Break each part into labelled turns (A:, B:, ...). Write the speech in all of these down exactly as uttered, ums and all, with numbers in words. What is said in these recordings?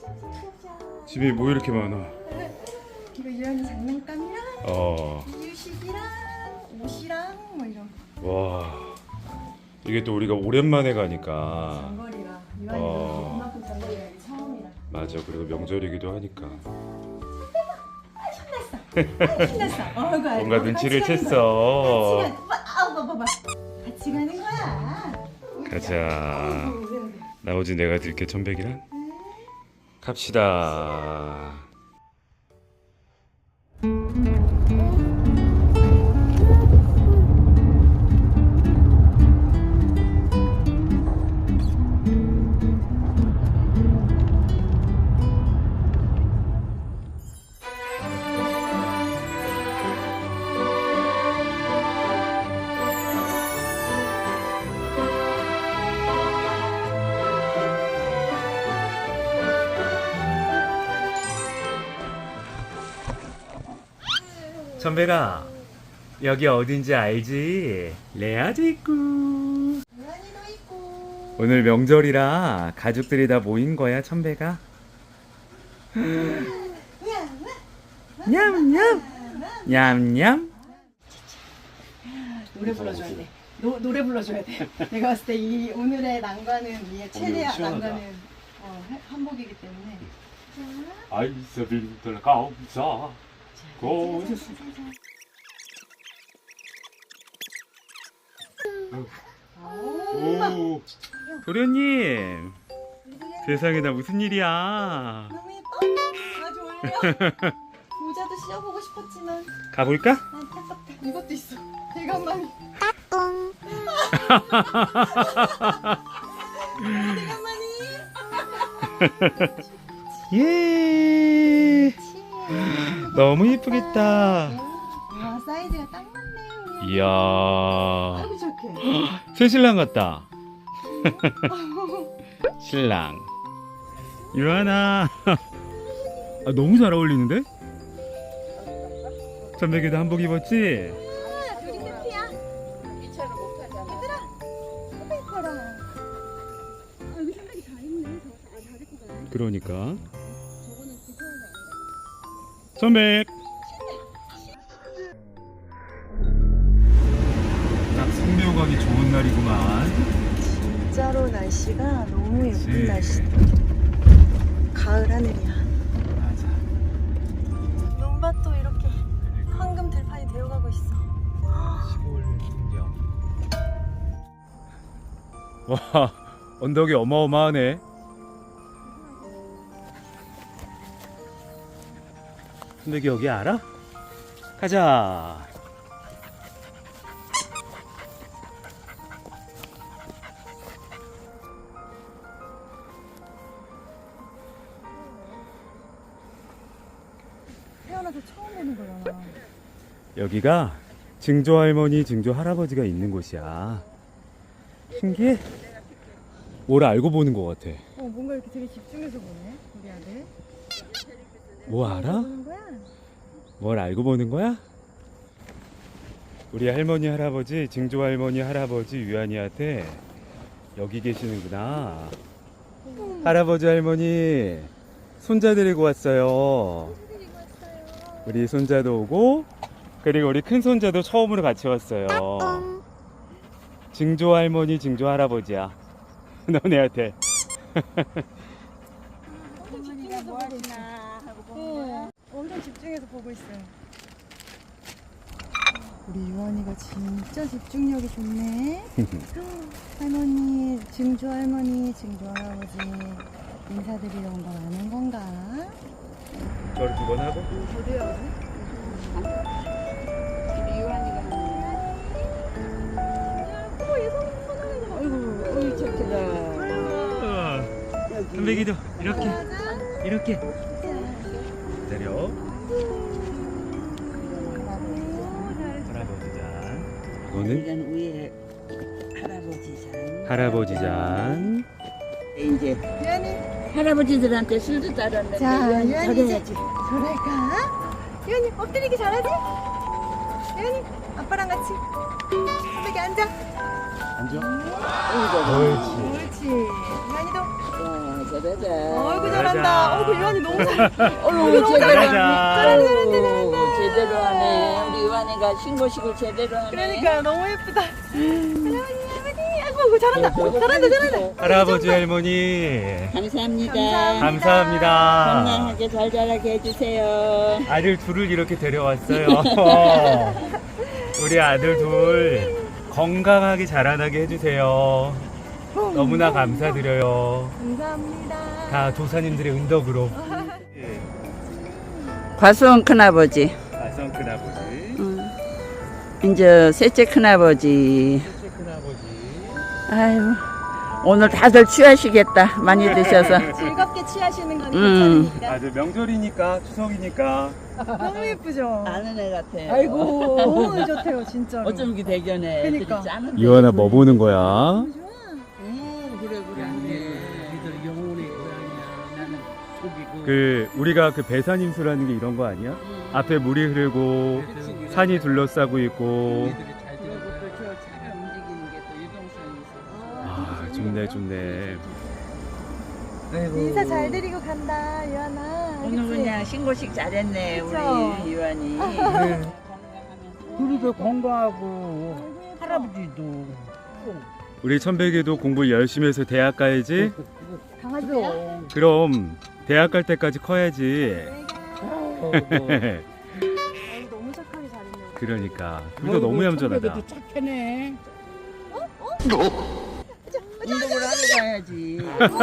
A: 집에 뭐 이렇게 많아?
B: 이거 유연이 장난감이랑
A: 어.
B: 이유식이랑 옷이랑 뭐 이런 거.
A: 와. 이게 또 우리가 오랜만에 가니까.
B: 장거리라 유연이도
A: 어.
B: 이만큼 장거리가 이게 처음이라.
A: 맞아. 그리고 명절이기도 하니까.
B: 아, 신났어. 어, 이거 알고.
A: 뭔가 눈치를
B: 같이 가는
A: 챘어.
B: 거야. 같이 가. 아우 봐봐 봐. 같이 가는 거야.
A: 가자.
B: 어이구, 왜, 왜.
A: 나머지 내가 들게 천백이랑. 갑시다. 천백아, 여기 어딘지 알지? 레아도 있고.
B: 유연이도 있고.
A: 오늘 명절이라 가족들이 다 모인 거야, 천백아. 냠냠 냠냠.
B: 노래 불러줘야 돼. 노, 노래 불러줘야 돼. 내가 봤을 때 이 오늘의 난관은 이 최대 난관은 어, 해- 한복이기 때문에.
A: 아이스빌들 감사. 고. 오. 도련님. 세상에 나 무슨 일이야?
B: 너무 예뻐. 아주 어울려. 모자도 씌워보고 싶었지만
A: 가볼까?
B: 안타깝다. 이것도 있어. 대감만이. 대감만이.
A: 예. 너무 예쁘겠다.
B: 와 사이즈가 딱 맞네. 우리.
A: 이야.
B: 아이고 착해.
A: 새 신랑 같다. 신랑. 유하나. 아, 너무 잘 어울리는데? 천백이도 한복 입었지?
B: 둘이 세트야. 이차로 못 가잖아. 얘들아. 너무 예뻐라. 아 여기 생각이 잘 있네. 저잘 입고 가네.
A: 그러니까.
B: 저거는 그거는 아니라.
A: 천백. 딱 성묘 가기 좋은 날이구만.
B: 진짜로 날씨가 너무 예쁜
A: 그치.
B: 날씨다. 가을 하늘이야.
A: 맞아.
B: 눈밭도 이렇게 황금 들판이 되어가고 있어.
A: 시골 풍경. 와, 언덕이 어마어마하네. 천백이 여기 알아? 가자.
B: 태어나서 처음 보는 거잖아.
A: 여기가 증조 할머니, 증조 할아버지가 있는 곳이야. 신기해? 뭘 알고 보는 것 같아.
B: 어 뭔가 이렇게 되게 집중해서 보네 우리 아들.
A: 뭐 알아?
B: 보는 거야?
A: 뭘 알고 보는 거야? 우리 할머니, 할아버지, 증조 할머니, 할아버지 유한이한테 여기 계시는구나. 할아버지, 할머니, 손자 데리고 왔어요. 우리 손자도 오고, 그리고 우리 큰 손자도 처음으로 같이 왔어요. 증조 할머니, 증조 할아버지야. 너네한테.
B: 엄청 집중해서 보고 있어. 어, 엄청 집중해서 보고 있어요. 우리 유한이가 진짜 집중력이 좋네. 할머니, 증조 할머니, 증조 할아버지 인사드리러 온 건 아는 건가?
A: 저를 두 번 하고.
B: 저도 해야지.
C: 우리 유한이가
B: 어머 얘 손, 손 하는 거 봐.
C: 아이고 어이 착하다.
A: 선배기도 이렇게, 이렇게. 기다려. 할아버지 잔. 이거는
C: 이건 위에 할아버지 장.
A: 할아버지 잔.
C: 이제
B: 유한이.
C: 할아버지들한테 술도 따랐는데
B: 자,
C: 유한이
B: 유한이
C: 저래야지.
B: 저럴까? 유한이 엎드리기 잘하지? 유한이 아빠랑 같이 여기 앉아.
A: 앉아.
C: 어이구.
A: 옳지.
B: 옳지. 유한이도
C: 자, 자자자.
B: 어이구 잘한다. 어이구 유한이 너무 잘해.
C: 어유 제대로
A: 잘한다.
C: 하네. 아이고, 제대로 하네. 우리 유한이가 신고식을 제대로 하네.
B: 그러니까 너무 예쁘다. 할머니 할머니. 아이고 아이고, 잘한다. 잘한다 잘한다.
A: 할아버지 할머니
C: 감사합니다.
B: 감사합니다.
A: 감사합니다.
C: 건강하게 잘 자라게 해주세요.
A: 아들 둘을 이렇게 데려왔어요. 우리 아들 둘 건강하게 자라나게 해주세요. 너무나 감사드려요.
B: 감사합니다.
A: 다 조사님들의 은덕으로.
C: 과수원 큰아버지,
A: 아성 큰아버지,
C: 응. 이제 셋째 큰아버지.
A: 셋째 큰아버지.
C: 아유, 오늘 다들 취하시겠다. 많이 드셔서.
B: 즐겁게 취하시는 거니까.
C: 음.
A: 아주 명절이니까 추석이니까.
B: 너무 예쁘죠.
C: 아는 애 같아요.
B: 아이고 너무 좋대요 진짜로.
C: 어쩜 이렇게 대견해.
B: 그러니까.
C: 애들이 짜는데.
A: 이완아 뭐 보는 거야?
C: 음, 그래 그래.
D: 우리들 영혼의 고향이야. 나는 속이고.
A: 그 우리가 그 배산임수라는 게 이런 거 아니야?
C: 음.
A: 앞에 물이 흐르고 산이 둘러싸고 있고.
D: 우리들이 잘
C: 그리고
D: 되고.
C: 또 저 차가 움직이는 게 또 유동성이 있어서.
A: 아 좋네 좋네.
B: 인사 잘 드리고 간다 유한아.
C: 오늘
B: 그치?
C: 그냥 신고식 잘했네.
B: 그쵸?
C: 우리 유한이.
D: 네.
C: 건강하면서.
D: 우리도 건강하고 할아버지도
A: 우리 천백이도 공부 열심히 해서 대학 가야지.
B: 강아지야?
A: 그럼 대학 갈 때까지 커야지.
B: 어, 너무 착하게 잘했네.
A: 그러니까 우리도 너무 얌전하다.
D: 도 착하네.
C: 운동을 하러 가야지.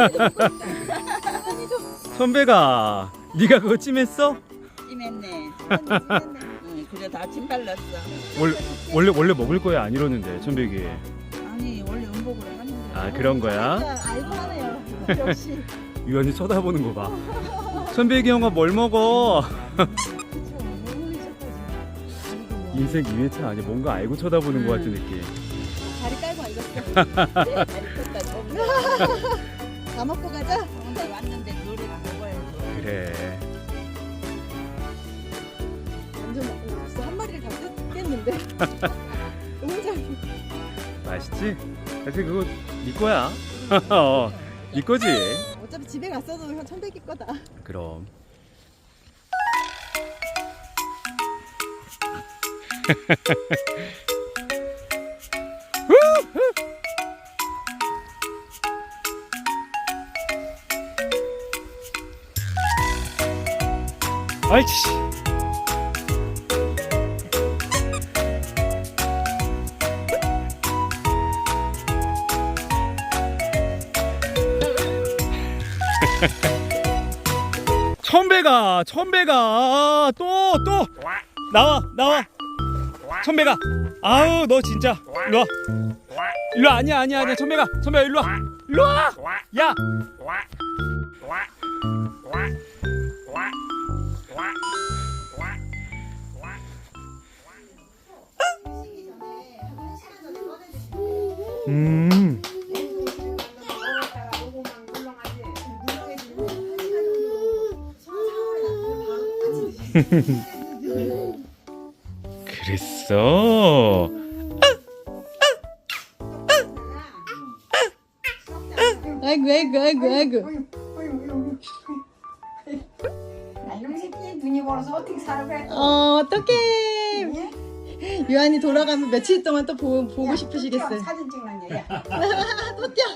A: 천백아, 네가 그거 찜했어?
C: 찜했네. 응, 그래 다 침 발랐어.
A: 원래 원래 원래 먹을 거야 안 이러는데 천백이.
C: 아니 원래 음복을 하는데.
A: 아 그런 거야?
B: 진짜 알고 하네요. 역시.
A: 유한이 쳐다보는 거 봐. 천백이 형아 뭘 먹어?
B: 그쵸. 너무 착하지. 아이고, 뭐.
A: 인생 이 회차 아니야? 뭔가 알고 쳐다보는 거 같은 느낌.
B: 다리 깔고 앉았어. 다 먹고 가자.
C: 오늘 왔는데 노래를 먹어야지.
A: 그래.
B: 완전 어, 벌써 한 마리를 다 뜯겠는데. 너무 잘.
A: 맛있지? 사실 그거 네 거야. 어, 네 거지.
B: 어차피 집에 갔어도 형 천백이 거다.
A: 그럼. 아이치. 천배가 천배가 또 또 나와 나와 천배가 아우 너 진짜 일로 와 일로 와 아니야 아니야 아니야 천배가 천배가 일로 와 일로 와야 음. 그랬어.
B: 아이고 아이고 아이고 아이고.
E: 이놈 새끼 눈이 멀어서 어떻게 살아 그래?
B: 어 어떡해. 유한이 돌아가면 며칠 동안 또 보, 보고 싶으시겠어요.
E: 사진 찍는 얘야.
B: 또 뛰어.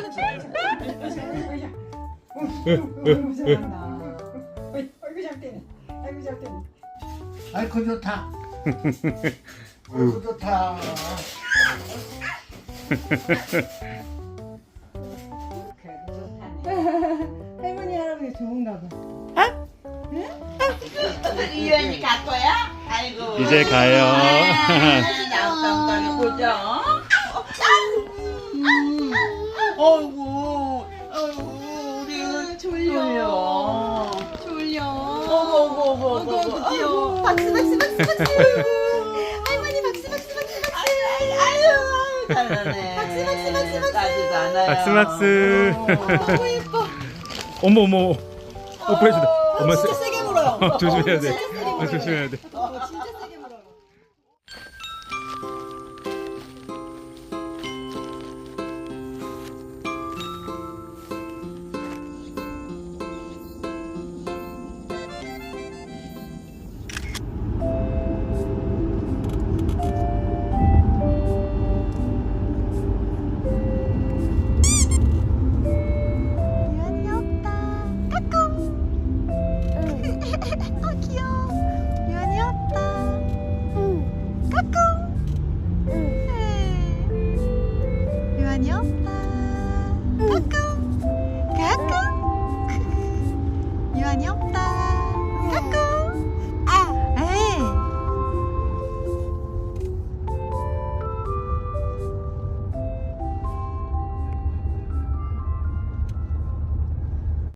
E: 어이구 잘한다. 어이구 잘 뛰네. 아이고 잘 뛰네.
D: 아이고 좋다. 아이고 좋다.
E: 그래도 좋다네.
B: 할머니 할아버지 좋은가 봐.
C: 유한이 갈 거야? 아이고.
A: 이제 가요.
C: 나왔던 거를 보죠. 어이구, 어이구, 우리
B: 졸려.
C: 졸려.
B: 졸려.
C: 어구, 어구, 어구, 어구,
B: 귀여워. 박수 박수 박수 박수. 할머니 박수 박수 박수 박수.
C: 아유, 아유, 잘하네.
B: 박수, 박수, 박수, 박수.
C: 까지도 않아요.
A: 박수, 박수.
B: 너무 예뻐.
A: 어머 어머 뽀뽀해준다. 엄마
B: 진짜 세게 물어요.
A: 어, 조심해야 돼.
B: 진짜 세게 물어요.
A: 어, 조심해야 돼.
B: 어, 진짜 세게 물어요. 잠깐만요.